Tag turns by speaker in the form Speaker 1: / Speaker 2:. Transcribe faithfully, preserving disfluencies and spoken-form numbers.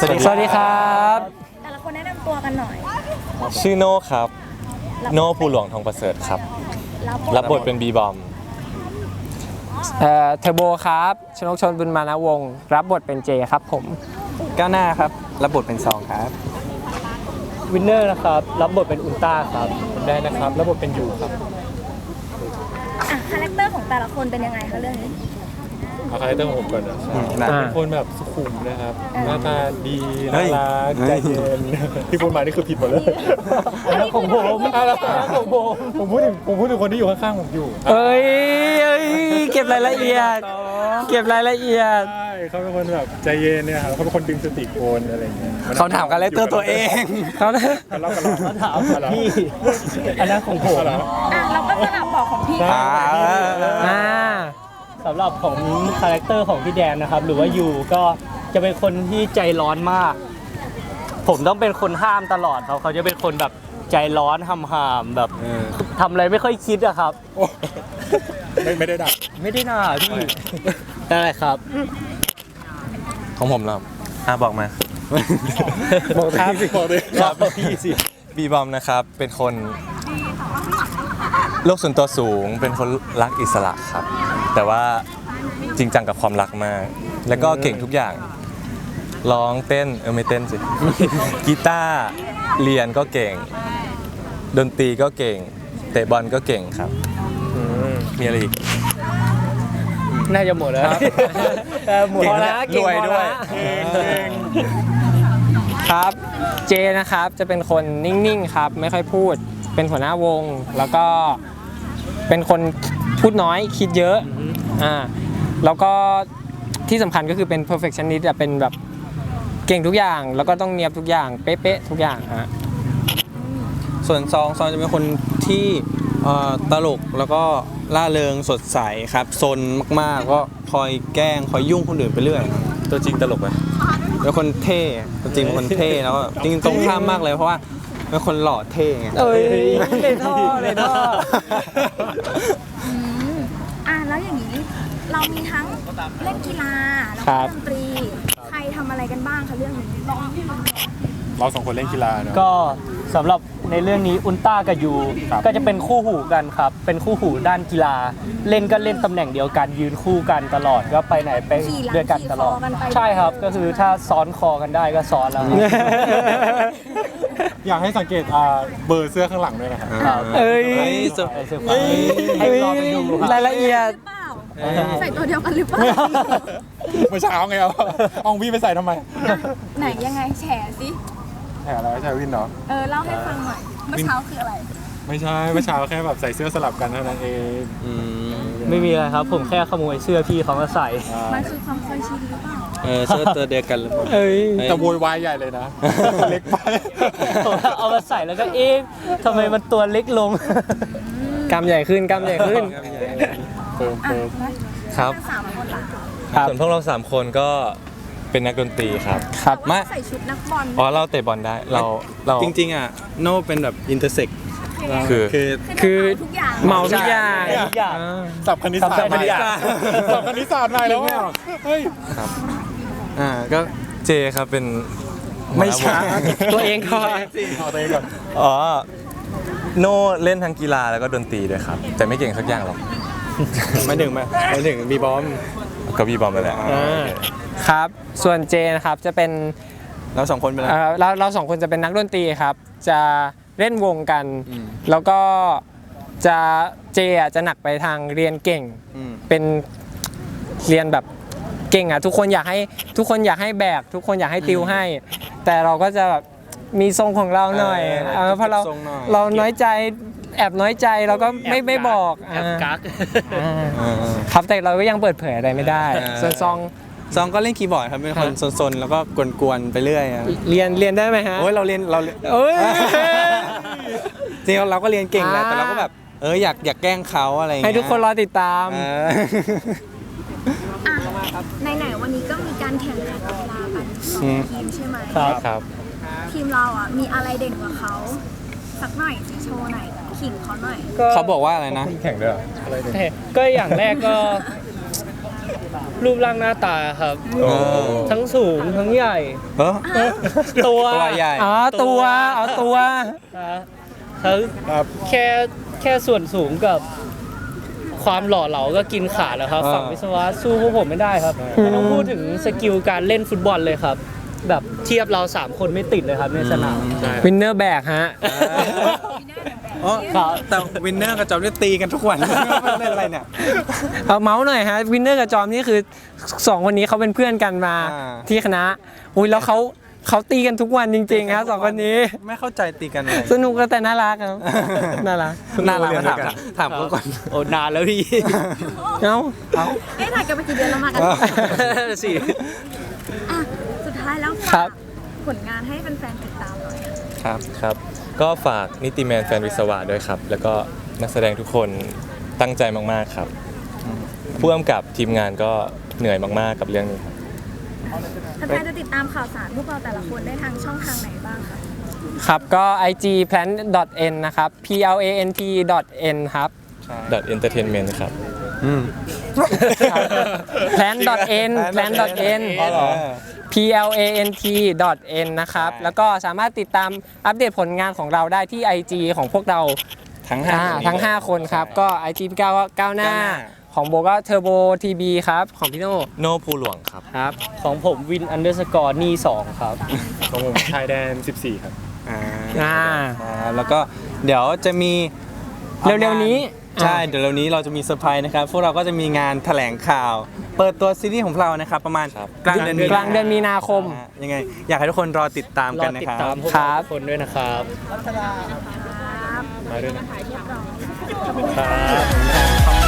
Speaker 1: สวัสดีครับ
Speaker 2: แต่ละคนแนะนำตัวกันหน่อย
Speaker 3: ชื่อโน่ครับโน่ภูหลวงทองประเสริฐครับรับบทเป็นบีบอม
Speaker 1: เอ่อเทอร์โบครับชนกชนบุญมานวงศ์รับบทเป็นเจครับผม
Speaker 4: ก้าวหน้าครับรับบทเป็นซองครับ
Speaker 5: วินเนอร์นะครับรับบทเป็นอุลตร้าครับได้นะครับรับบทเป็นยูครับ
Speaker 2: อ่ะคาแรคเตอร์ของแต่ละคนเป็นยังไงคะเรื่องนี้
Speaker 5: เอาคาแรคเตอร์ของผมก่อนนะเป็นคนแบบสุขุมนะครับหน้าตาดีน่ารักใจเย็นที่พูดมานี่คือผิดหมดเลยอันนั้นของผมอันนั้นของผมผมพูดถึงผมพูดถึงคนที่อยู่ข้างๆผมอยู่
Speaker 1: เอ้ยเอ้ยเก็บรายละเอียดเก็บรายละเอียด
Speaker 5: ใช่เขาเป็นคนแบบใจเย็นเนี่ยครับเขาเป็นคนดึงสติโกนอะไรอย่างเงี้ย
Speaker 4: เขาถามคาแรคเตอร์ตัวเอง
Speaker 1: เขา
Speaker 5: เรากันเราถามพี่อันนั้นของผม
Speaker 2: อ่ะเราก็สลับบอกของพี่
Speaker 1: อ่า
Speaker 5: สำหรับของคาแรคเตอร์ของพี่แดนนะครับหรือว่ายูก็จะเป็นคนที่ใจร้อนมากผมต้องเป็นคนห้ามตลอดเขาเขาจะเป็นคนแบบใจร้อนห้ามๆแบบทำอะไรไม่ค่อยคิดอะครับไม่ไม่ได้ด่าไม่ได้ด่าพี่ได้ครับ
Speaker 3: ของผมเหรออ่ะบอกมา
Speaker 5: บอกครับสิบอกเลย
Speaker 3: ครับพี่สิบีบอมนะครับเป็นคนโลกส่วนตัวสูงเป็นคนรักอิสระครับแต่ว่าจริงจังกับความรักมากแล้วก็เก่งทุกอย่างร้องเต้นเออไม่เต้นสิกีตาร์เรียนก็เก่งดนตรีก็เก่งเตะบอลก็เก่งครับมีอะไรอีก
Speaker 5: น่าจะหมดแล้ว
Speaker 1: หมดแล้วรวยด้วยครับเจนะครับจะเป็นคนนิ่งๆครับไม่ค่อยพูดเป็นหัวหน้าวงแล้วก็เป็นคนพูดน้อยคิดเยอะอ่าแล้วก็ที่สำคัญก็คือเป็น perfectionist อ่ะเป็นแบบเก่งทุกอย่างแล้วก็ต้องเนียบทุกอย่างเป๊ะๆทุกอย่างฮะ
Speaker 4: ส่วนซองซองจะเป็นคนที่ตลกแล้วก็ล่าเริงสดใสครับซนมากๆก็คอยแกล้งคอยยุ่งคนอื่นไปเรื่อย
Speaker 3: ตัวจริงตลกไหม
Speaker 4: เป็นคนเท่ตัวจริงเป็นคนเท่แล้วก็จริงตรงข้ามมากเลยเพราะว่าเป็นคนหล่อเท่ไง
Speaker 1: เอ้ยในท่อในท่อ
Speaker 2: อ่ะแล้วอย่างนี้เรามีทั้งเล่นกีฬาแล้วก็ดนตรีใครทำอะไรกันบ้างคะเรื่องนี้
Speaker 5: เราสองคนเล่นกีฬาเนาะก็สำหรับในเรื่องนี้อุลตร้ากับยูก็จะเป็นคู่หูกันครับเป็นคู่หูด้านกีฬาเล่นก็เล่นตำแหน่งเดียวกันยืนคู่กันตลอดก็ไปไหนไปด้วยกันตลอดใช่ครับก็คือถ้าซ้อนคอกันได้ก็ซ้อนแล้วอยากให้สังเกตเบอร์เสื้อข้างหลังด้วยนะครับ
Speaker 1: เอ้ย
Speaker 5: ให้ลองไปดู
Speaker 1: รายละเอียด
Speaker 2: ใส่ตัวเดียวกันหรือเปล่า
Speaker 5: เมื่อเช้าไงเอาเอาพี่ไปใส่ทำไม
Speaker 2: ไหนยังไงแฉสิ
Speaker 5: แฉอะไรแฉวินเนาะ
Speaker 2: เออเล่าให้ฟังหน่อยเมื่อเช้าคืออะไร
Speaker 5: ไม่ใช่เมื่อเช้าแค่แบบใส่เสื้อสลับกันเท่านั้นเองไม่มีอะไรครับผมแค่ขโมยเสื้อพี่เขามาใส่
Speaker 2: มันคือความเคยชินหรือเปล่า
Speaker 4: เออเสื้อตัวเดียวกันหรือเปล่า
Speaker 1: เอ้ย
Speaker 5: แต่โวยวายใหญ่เลยนะเล็กไปเอามาใส่แล้วก็เอ๊ะทำไมมันตัวเล็กลง
Speaker 1: กำใหญ่ขึ้นกำใหญ่ขึ้น
Speaker 3: ครับส่วนพวกเราสามคนก็เป็นนักดนตรีครับ
Speaker 2: ครับมาใส่ชุดนักบอล
Speaker 3: อ๋อเราเตะบอลได้เราเรา
Speaker 4: จริงๆอ่ะโน่เป็นแบบอินเตอร์เซ็ก
Speaker 3: คือ
Speaker 1: คือคือเมาทุกอย่าง
Speaker 5: สับคณิตศาสตร์สับคณิตศาสตร์สับคณิตศาสตร์ใหม่แล้วเฮ้ย
Speaker 3: ครับอ่าก็เจครับเป็น
Speaker 1: ไม่ใช่ตัวเองก่อน
Speaker 5: ตัวเองก่อน
Speaker 3: อ๋อโน่เล่นทั้งกีฬาแล้วก็ดนตรีด้วยครับแต่ไม่เก่งสักอย่างหรอก
Speaker 4: ไม่ถึงมาไม่ถึงบีบอม
Speaker 3: ก็บีบอมไปแล้ว
Speaker 1: ครับส่วนเจนะครับจะเป็น
Speaker 4: เราสองคนเป็นอะไร
Speaker 1: เราเราสองคนจะเป็นนักดนตรีครับจะเล่นวงกันแล้วก็จะเจอ่ะจะหนักไปทางเรียนเก่งเป็นเรียนแบบเก่งอ่ะทุกคนอยากให้ทุกคนอยากให้แบกทุกคนอยากให้ติวให้แต่เราก็จะแบบมีทรงของเราหน่อยเพราะเราเราน้อยใจแอบน้อยใจเราก็ไม่ไม่บอก
Speaker 5: แอบกัก
Speaker 1: ครับแต่เราก็ยังเปิดเผยอะไรไม่ได้ส่วนซอง
Speaker 4: ซองก็เล่นคีย์บอร์ดครับเป็นคนซนๆแล้วก็กวนๆไปเรื่อย
Speaker 1: เรียนเรียนได้ไหมฮะ
Speaker 4: โอ้ยเราเรียนเรา
Speaker 1: โอ้ย
Speaker 4: จริงเราก็เรียนเก่งแหละแต่เราก็แบบเอออยากอยากแกล้งเขาอะไรอย่างเงี้
Speaker 1: ยให้ทุกคนรอติดตาม
Speaker 2: ไหนๆวันนี้ก็มีการแข่งขันกีฬากันสองทีมใช่ไหม
Speaker 5: ครับครับ
Speaker 2: ทีมเราอ่ะมีอะไรเด่นกว่าเขาสักหน่อยโชว์หน่อยขิงเขาหน่อย
Speaker 4: เขาบอกว่าอะไรนะ
Speaker 5: แข่งด้วยอะไรเด่นก็อย่างแรกก็รูปร่างหน้าตาครับ
Speaker 3: โอ้
Speaker 5: ทั้งสูงทั้งใหญ่
Speaker 4: เออ
Speaker 5: ตัว
Speaker 4: ตัวใหญ่
Speaker 1: อ๋อตัวเอาตัว
Speaker 5: นะทั้งแค่แค่ส่วนสูงกับความหล่อเหลาก็กินขาดแล้วครับ
Speaker 4: อ่า
Speaker 5: ฝั่งวิศวะสู้พวกผมไม่ได้ครับไม่ต้องพูดถึงสกิลการเล่นฟุตบอลเลยครับ แบบเทียบเราสามคนไม่ติดเลยครับในสนาม
Speaker 1: วินเนอร์แบกฮะ
Speaker 4: อ๋อ
Speaker 5: ครับ
Speaker 4: แต่วินเนอร์กับจอมได้ตีกันทุกวัน เล่นอะไรเนี่ย
Speaker 1: เอาเมาส์หน่อยฮะวินเนอร์กับจอมนี่คือสองคนนี้เขาเป็นเพื่อนกันมา
Speaker 4: อ่า
Speaker 1: ที่คณะอุ้ยแล้วเขาเขาตีกันทุกวันจริงๆครับสองคนนี้
Speaker 4: ไม่เข้าใจตีกันเลย
Speaker 1: สนุกแต่น่ารักครับ น่ารัก
Speaker 4: น่ารักมาถามถามเขาก่อน
Speaker 5: โอ้นานแล้วพี่
Speaker 1: เอ้า
Speaker 2: เอ๊ะถ่ายกันมากี่เดือนแล้วมากัน
Speaker 5: สี่
Speaker 2: อ่ะสุดท้ายแล้ว
Speaker 1: ครั
Speaker 2: ฝาก
Speaker 1: บ
Speaker 2: ผลงานให้แฟนๆติดตามหน่อยค่ะ
Speaker 4: ครับ
Speaker 3: ครับ ก็ฝากนิติแมนแฟนวิศวะด้วยครับ แล้วก็นักแสดงทุกคนตั้งใจมากๆครับผู้กำกับทีมงานก็เหนื่อยมากๆกับเรื่องนี้ครับ
Speaker 2: แฟนๆจะติดตามข่าวสารพวกเราแต่ละคนได้ทางช่องทางไหนบ้างคะ
Speaker 1: ครับก็ ไอ จี plan n นะครับ p l a n t n ครับ
Speaker 3: dot entertainment ครับ
Speaker 4: อืม
Speaker 1: plan n plan n
Speaker 4: อ๋อเหรอ
Speaker 1: p l a n t n นะครับ แล้วก็สามารถติดตามอัปเดตผลงานของเราได้ที่ ไอ จี ของพวกเรา
Speaker 4: ทั้งห้า
Speaker 1: อ่า
Speaker 4: คน
Speaker 1: ทั้ง ห้า คนครับ ก็ ไอ จี พี่ก้าวก็ก้าวหน้า
Speaker 4: ก้าวหน้า
Speaker 1: ของโบก็เทอร์โบทีบีครับ ของพี่โน่
Speaker 3: โนภูหลวงครับ
Speaker 1: ครับ
Speaker 5: ของผมวินอันเดอร์สกอร์นี่สองครับ
Speaker 3: ของผมชายแดนสิบสี่ครับ
Speaker 4: อ่า
Speaker 1: อ่า
Speaker 4: อ่าแล้วก็เดี๋ยวจะมี
Speaker 1: เร็วๆนี้
Speaker 4: ใช่
Speaker 1: อ่า
Speaker 4: เดี๋ยวเร็วนี้เราจะมีเซอร์ไพรส์นะครับ พวกเราก็จะมีงานแถลงข่าว เปิดตัวซีรีส์ของเรานะครับ ประมาณ
Speaker 3: ครับ
Speaker 4: กลางเดือนมี
Speaker 1: กลางเดือนมีนาคม
Speaker 4: อ่ายังไง อยากให้ทุกคนรอติดตาม
Speaker 5: ร
Speaker 4: กั
Speaker 5: อน
Speaker 4: นะ
Speaker 5: ติด
Speaker 4: ครับ
Speaker 5: ตามพวก
Speaker 1: ครั
Speaker 5: เรา
Speaker 1: บ
Speaker 5: ทุกคนด้วยนะครับ
Speaker 3: มาด้วยนะ
Speaker 5: ครับ